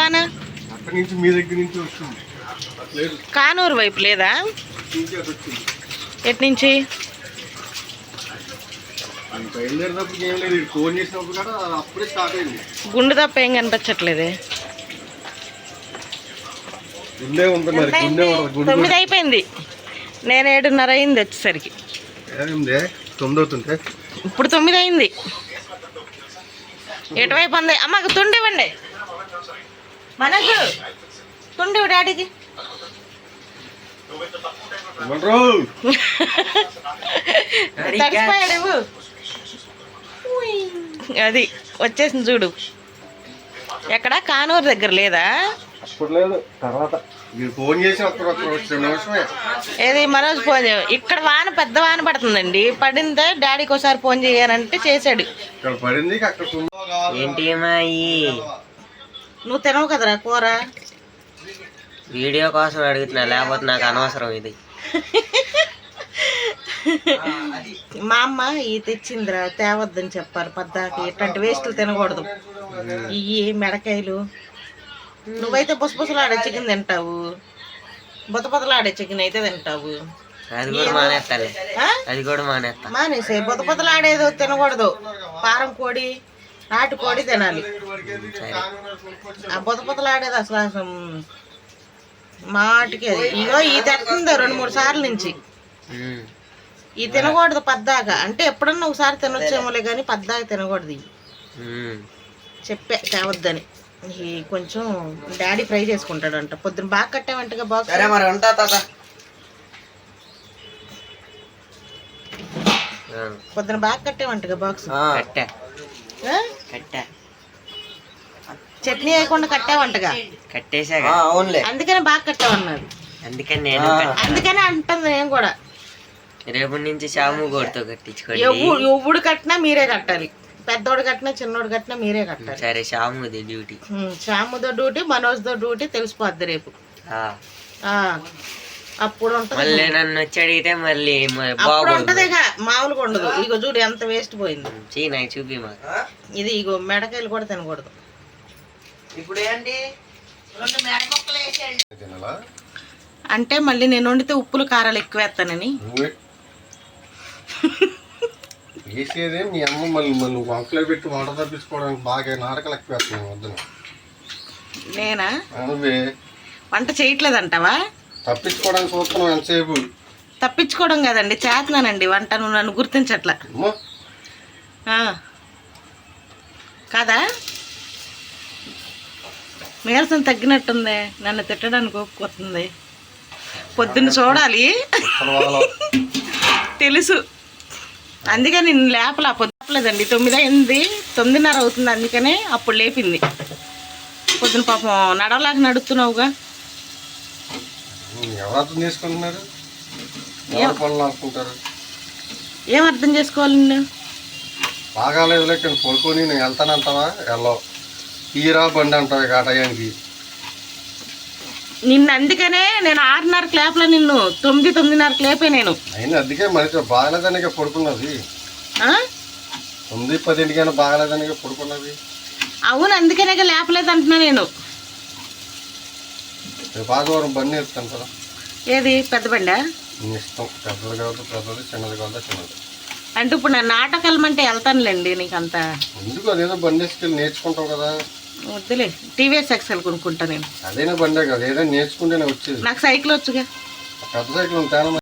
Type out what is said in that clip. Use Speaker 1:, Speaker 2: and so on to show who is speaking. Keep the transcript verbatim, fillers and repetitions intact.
Speaker 1: వాన? కానూరు వైపు లేదా? ఎటు నుంచి? గుండు తప్ప ఏం కనిపించట్లేదే. తొమ్మిది అయిపోయింది, నేను ఏడున్నర అయింది వచ్చేసరికి. ఇప్పుడు తొమ్మిది అయింది. ఎటువైపు అంది? అమ్మకు తుండి ఇవ్వండి, మనకు తుండి డాడీకి. తడిసిపోయాడు. అది వచ్చేసింది చూడు. ఎక్కడ? కానూరు దగ్గర లేదా? ఏది మనోజ్ ఫోన్ చేయ. ఇక్కడ వాన పెద్ద వాన పడుతుందండి. పడిందే డాడీకి ఒకసారి ఫోన్ చేయాలంటే చేశాడు.
Speaker 2: ఏంటి
Speaker 1: నువ్వు తినవు కదరా కూర?
Speaker 2: వీడియో కోసం అడుగుతున్నా, లేకపోతే నాకు అనవసరం ఇది.
Speaker 1: మా అమ్మ ఈ తెచ్చిందిరా, తేవద్దని చెప్పారు పద్దాకి. ఇట్లాంటి వేస్టులు తినకూడదు. ఇవి మెడకాయలు. నువ్వైతే బుసబుసలాడే చికెన్ తింటావు, బుత బుతలాడే చికెన్ అయితే తింటావు.
Speaker 2: అది కూడా మానేస్తాలే, అది కూడా మానేస్తా.
Speaker 1: మానేసే బుత బుతలాడేదో తినకూడదు. పారం కోడి, నాటు కోడి తినాలి. ఆ బుత బుతలాడేది అసలు అసలు మాటికి. అది ఇగో ఈ తెస్తుందో రెండు మూడు సార్లు నుంచి. ఈ తినకూడదు పద్దాక. అంటే ఎప్పుడన్నా ఒకసారి తినొచ్చేమోలే కానీ పద్దాక తినకూడదు. చెప్పే తేవద్దని. కొంచెం డాడీ ఫ్రై చేసుకుంటాడంట. పొద్దున బాగా కట్టావంటగా బాక్స్? పొద్దున బాగా కట్టావంటగా బాక్స్? చట్నీ వేయకుండా కట్టావంటగా?
Speaker 2: కట్టేసా,
Speaker 1: అందుకని బాగా కట్టావన్నారు.
Speaker 2: అందుకని నేను
Speaker 1: అందుకని అంటుంది నేను కూడా.
Speaker 2: రేపటి నుంచి షాము గోడుతో కట్టించుకోండి.
Speaker 1: ఎవ్వుడు కట్టినా మీరే కట్టాలి. పెద్దోడు కట్టినా చిన్నోడు కట్టినా మీరే కట్టాలి.
Speaker 2: సరే, షాముది డ్యూటీ.
Speaker 1: షాముదో డ్యూటీ, మనోజ్దో డ్యూటీ తెలిసిపోద్ది రేపు. అప్పుడు ఉంటుంది.
Speaker 2: నన్ను వచ్చి అడిగితే మళ్ళీ
Speaker 1: అప్పుడు ఉంటది. మామూలుగా ఉండదు. ఇగో చూడు ఎంత వేస్ట్ పోయింది.
Speaker 2: చీ నాకు చూపి మా
Speaker 1: ఇది. ఇగో మెడకాయలు కూడా తినకూడదు. ఇప్పుడు ఏంటి అంటే మళ్ళీ నేను వండితే ఉప్పులు కారాలు ఎక్కువ వేస్తానని.
Speaker 3: వేసేదే మీ అమ్మ మళ్ళీ మళ్ళీ వంకలో పెట్టి వంట తప్పించుకోవడానికి బాగా నాటకాలు ఎక్కువ వేస్తున్నాను వద్దు.
Speaker 1: నేనా?
Speaker 3: నువ్వే
Speaker 1: వంట చేయట్లేదంటావా?
Speaker 3: తప్పించుకోవడానికి చూస్తున్నావు ఎంతసేపు.
Speaker 1: తప్పించుకోవడం కదండి, చేస్తున్నానండి వంట. నువ్వు నన్ను గుర్తించట్లా కాదా? నీరసం తగ్గినట్టుంది, నన్ను తిట్టడానికి ఒప్పుకోతుంది. పొద్దున్న చూడాలి తెలుసు, అందుకే నేను లేపలా. పొద్దులేదండి, తొమ్మిది అయింది, తొమ్మిదిన్నర అవుతుంది. అందుకనే అప్పుడు లేపింది. పొద్దున పాపం నడవలాగా నడుస్తున్నావుగా. ఏం అర్థం చేసుకోవాలి? నేను
Speaker 3: బాగాలేదు లేక పడుకొని నేను వెళ్తానంటావా? వెళ్ళవు. తీరా బండి అంటావు ఇక ఆ టయానికి.
Speaker 1: నిన్ను అందుకనే నేను ఆరున్నరకు లేపలా, నిన్ను తొమ్మిది తొమ్మిదిన్నరకు లేపే నేను.
Speaker 3: అయినా అందుకే మరి బాగలేదనిక పడుకున్నది. తొమ్మిది పదింటికైనా బాగలేదనిక పడుకున్నది.
Speaker 1: అవును, అందుకనే లేపలేదు అంటున్నా నేను.
Speaker 3: ఆదివారం బండి వేస్తాను కదా.
Speaker 1: ఏది పెద్ద బండా?
Speaker 3: ఇష్టం. పెద్దది కావద్దు పెద్దది, చిన్నది కావద్దు చిన్నది.
Speaker 1: అంటే ఇప్పుడు నా నాటకు వెళ్ళమంటే వెళ్తానులేండి. నీకు అంత
Speaker 3: ఎందుకు? అదేదో బండి వేసుకెళ్ళి నేర్చుకుంటావు కదా.
Speaker 1: వద్దులే, టీవీఎస్ ఎక్సెల్ కొనుక్కుంటా నేను.
Speaker 3: అదేనా బండే కదా, ఏదైనా నేర్చుకుంటేనే వచ్చేది.
Speaker 1: నాకు సైకిల్ వచ్చుగా.
Speaker 3: పెద్ద సైకిల్ ఉంటాను.